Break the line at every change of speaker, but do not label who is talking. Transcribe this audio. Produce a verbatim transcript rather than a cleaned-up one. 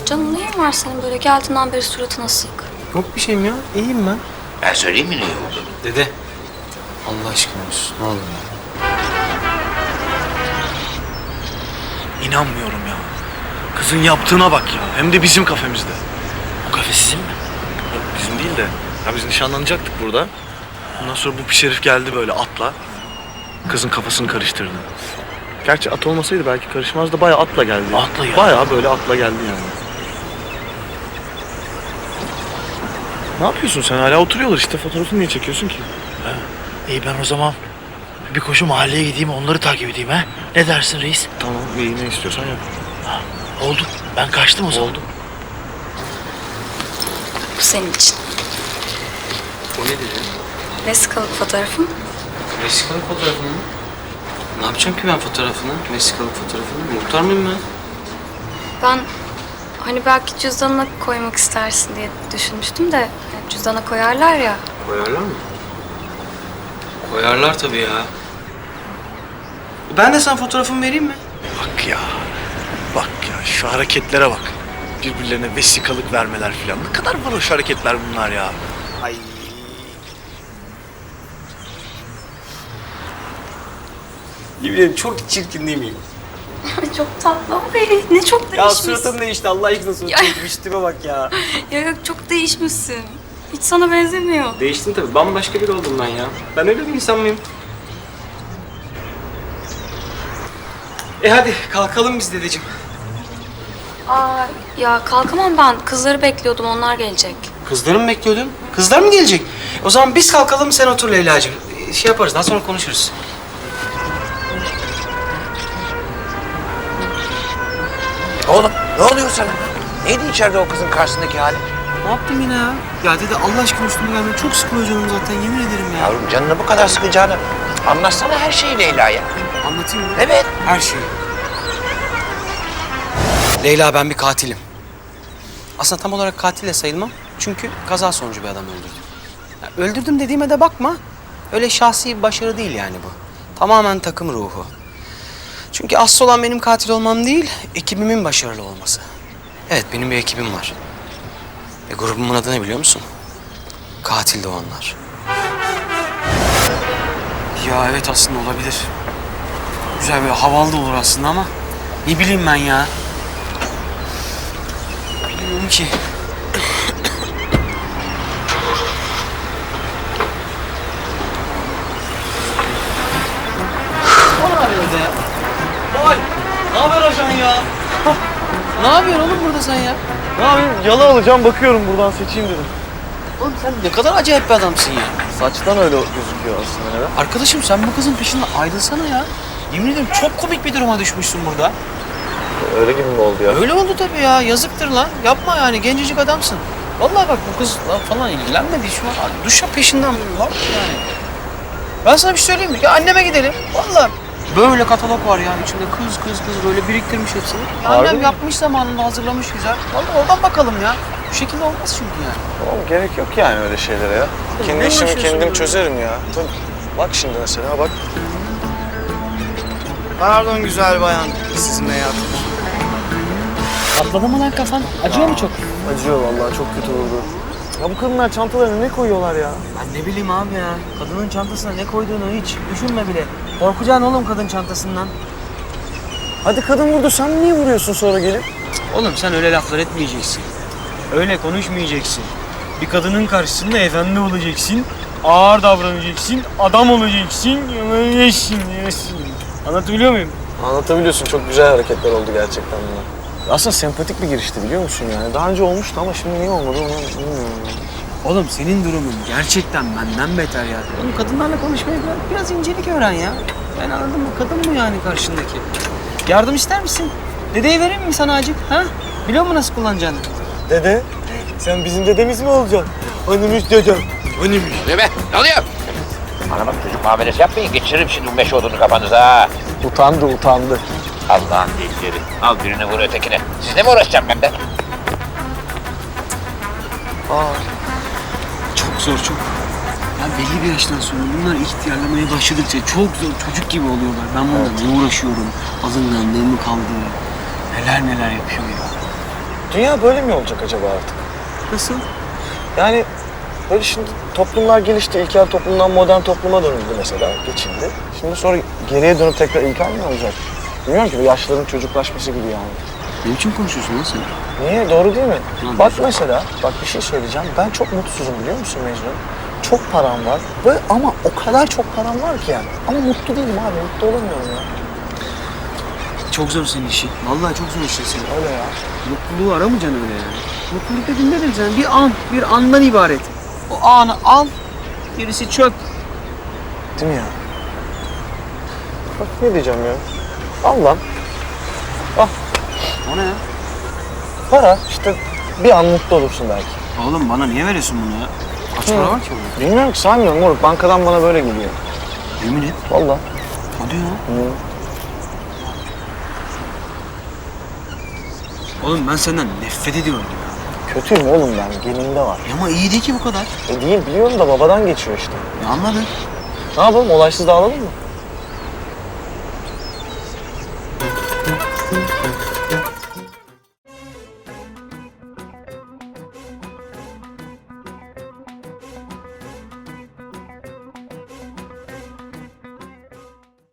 Canım neyin var senin böyle geldiğinden beri suratın asık?
Yok bir şeyim ya. İyiyim ben.
Ben söyleyeyim mi ne oldu?
Dede. Allah aşkına olsun. Ne olur ya.
İnanmıyorum ya. Kızın yaptığına bak ya. Hem de bizim kafemizde.
Bu kafe sizin mi?
Yok, bizim değil de. Ya biz nişanlanacaktık burada. Ondan sonra bu pis herif geldi böyle atla. Kızın kafasını karıştırdı. Gerçi at olmasaydı belki karışmazdı. Bayağı atla geldi.
Atla ya.
Bayağı böyle atla geldi yani. Ne yapıyorsun sen? Hala oturuyorlar işte. Fotoğrafını niye çekiyorsun ki?
Ha, iyi ben o zaman bir koşu mahalleye gideyim, onları takip edeyim ha. Ne dersin reis?
Tamam, iyi ne istiyorsan yap.
Ha, oldu. Ben kaçtım o zaman.
Oldu.
Bu senin için.
O ne dedi?
Vesikalık fotoğrafım.
Vesikalık fotoğrafını mı? Ne yapacağım ki ben fotoğrafını? Vesikalık fotoğrafını. Muhtar mıyım ben?
Ben hani belki cüzdanına koymak istersin diye düşünmüştüm de yani cüzdana koyarlar ya.
Koyarlar mı? Koyarlar tabii ya. Ben de sana fotoğrafımı vereyim mi?
Bak ya. Bak ya şu hareketlere bak. Birbirlerine vesikalık vermeler falan. Ne kadar varoş hareketler bunlar ya. Ay.
Yemin ederim çok çirkin değil miyim?
Çok tatlı ama ne çok
Ya
değişmişsin.
suratım değişti Allah aşkına suratım
Ya.
değişti. Tipe bak ya.
Ya yok çok değişmişsin. Hiç sana benzemiyor.
Değiştim tabii. Bambaşka biri oldum ben ya. Ben öyle bir insan mıyım? E hadi kalkalım biz dedeciğim.
Aa ya kalkamam ben. Kızları bekliyordum onlar gelecek.
Kızları mı bekliyordun? Kızlar mı gelecek? O zaman biz kalkalım sen otur Leyla'cığım. Ee, Şey yaparız daha sonra konuşuruz.
Oğlum ne oluyor sana? Neydi içeride o kızın karşısındaki hali?
Ne yaptım yine ya? Ya dede Allah aşkına üstüme gelme. Çok sıkılıyor canım zaten yemin ederim ya.
Yavrum canını bu kadar sıkacağını anlatsana her şeyi Leyla'ya.
Anlatayım mı?
Evet.
Her şeyi. Leyla ben bir katilim. Aslında tam olarak katil de sayılmam. Çünkü kaza sonucu bir adam öldürdüm. Ya, öldürdüm dediğime de bakma. Öyle şahsi bir başarı değil yani bu. Tamamen takım ruhu. Çünkü asıl olan benim katil olmam değil, ekibimin başarılı olması. Evet benim bir ekibim var. Ve grubumun adı ne biliyor musun? Katil Doğanlar. Ya evet aslında olabilir. Güzel böyle havalı da olur aslında ama ne bileyim ben ya. Bilmiyorum ki.
Vay! Ne haber ajan ya?
Ne yapıyorsun oğlum burada sen ya?
Ne yapayım? Yalı alacağım bakıyorum buradan seçeyim dedim.
Oğlum sen ne kadar acayip bir adamsın ya.
Saçtan öyle gözüküyor aslında neden?
Arkadaşım sen bu kızın peşinden ayrılsana ya. Yemin ederim çok komik bir duruma düşmüşsün burada.
Öyle gibi mi oldu ya?
Öyle oldu tabii ya. Yazıktır lan. Yapma yani. Gencecik adamsın. Vallahi bak bu kızla falan ilgilenmedi şu an. Duşa peşinden var yani. Ben sana bir şey söyleyeyim mi? Ya anneme gidelim. Vallahi böyle katalog var yani içinde kız kız kız böyle biriktirmiş hepsini. Ya
Harbi
annem
mi?
yapmış zamanında hazırlamış güzel. Vallahi oradan bakalım ya. Bu şekilde olmaz çünkü yani.
Oğlum gerek yok yani öyle şeylere ya. Kendi
ne
işimi
uğraşıyorsun
kendim
böyle?
çözerim ya. Tabii. Bak şimdi mesela bak. Pardon güzel bayan. Sizinle yaptım.
Patladı mı lan kafan? Acıyor mu çok?
Acıyor vallahi çok kötü oldu. Ya bu kadınlar çantalarına ne koyuyorlar ya?
Ben ne bileyim abi ya. Kadının çantasına ne koyduğunu hiç düşünme bile. Korkacaksın oğlum kadın çantasından.
Hadi kadın vurdu sen niye vuruyorsun sonra gelip?
Oğlum sen öyle laflar etmeyeceksin. Öyle konuşmayacaksın. Bir kadının karşısında efendi olacaksın. Ağır davranacaksın. Adam olacaksın. Yesin, yesin. Anlatabiliyor muyum?
Anlatabiliyorsun çok güzel hareketler oldu gerçekten bunlar. Aslında sempatik bir girişti biliyor musun yani? Daha önce olmuştu ama şimdi niye olmadı onu bilmiyorum.
Oğlum senin durumun gerçekten benden beter ya. Oğlum kadınlarla konuşmayı biraz, biraz incelik öğren ya. Ben anladım mı? Kadın mı yani karşındaki? Yardım ister misin? Dedeyi vereyim mi sana acık? Ha? Biliyor musun nasıl kullanacağını?
Dede, sen bizim dedemiz mi olacaksın? Önümüz dedem.
Önümüz.
Ne be? Ne oluyor? Bana bak çocuk muamelesi yapmayın. Geçiririm şimdi bu meşe odunu kafanıza ha.
Utandı, utandı.
Allah'ın delilleri. Al birini vur ötekine. Sizle mi uğraşacağım ben de?
Aa,
Çok zor çok. Ya belli bir yaştan sonra bunlar ihtiyarlamaya başladıkça çok zor çocuk gibi oluyorlar. Ben bununla ne uğraşıyorum? Alınganlığım mı kaldı? Neler neler yapıyor ya.
dünya böyle mi olacak acaba artık?
Nasıl?
Yani böyle şimdi toplumlar gelişti. İlkel toplumdan modern topluma dönüldü mesela. Geçildi. Şimdi sonra geriye dönüp tekrar ilkel mi olacak? Bilmiyorum ki bu yaşlıların çocuklaşması gibi yani.
Ne biçim konuşuyorsun lan sen?
Niye? Doğru değil mi?
Lan
Bak
güzel.
mesela, bak bir şey söyleyeceğim. Ben çok mutsuzum biliyor musun Mecnun? Çok param var ve ama o kadar çok param var ki yani. Ama mutlu değilim abi, mutlu olamıyorum ya.
Çok zor senin işin. Vallahi çok zor işin senin.
Öyle ya.
Mutluluğu aramayacaksın öyle yani. Mutluluk dediğin nedir sen? Bir an, bir andan ibaret. O anı al, gerisi çöp.
Değil mi ya? Bak ne diyeceğim ya. Al lan.
O ne ya?
Para işte bir an mutlu olursun belki.
Oğlum bana niye veriyorsun bunu ya? Kaç para var ki burada?
Bilmiyorum ki saymıyorum moruk. Bankadan bana böyle geliyor.
Yemin et.
Vallahi.
Hadi ya.
Hı.
Oğlum ben senden nefret ediyorum ya.
Kötüyüm oğlum ben. Genimde var.
Ya ama iyi değil ki bu kadar.
E değil biliyorum da babadan geçiyor işte.
Ya anladın.
Ne yapalım? Olaysız dağılalım mı?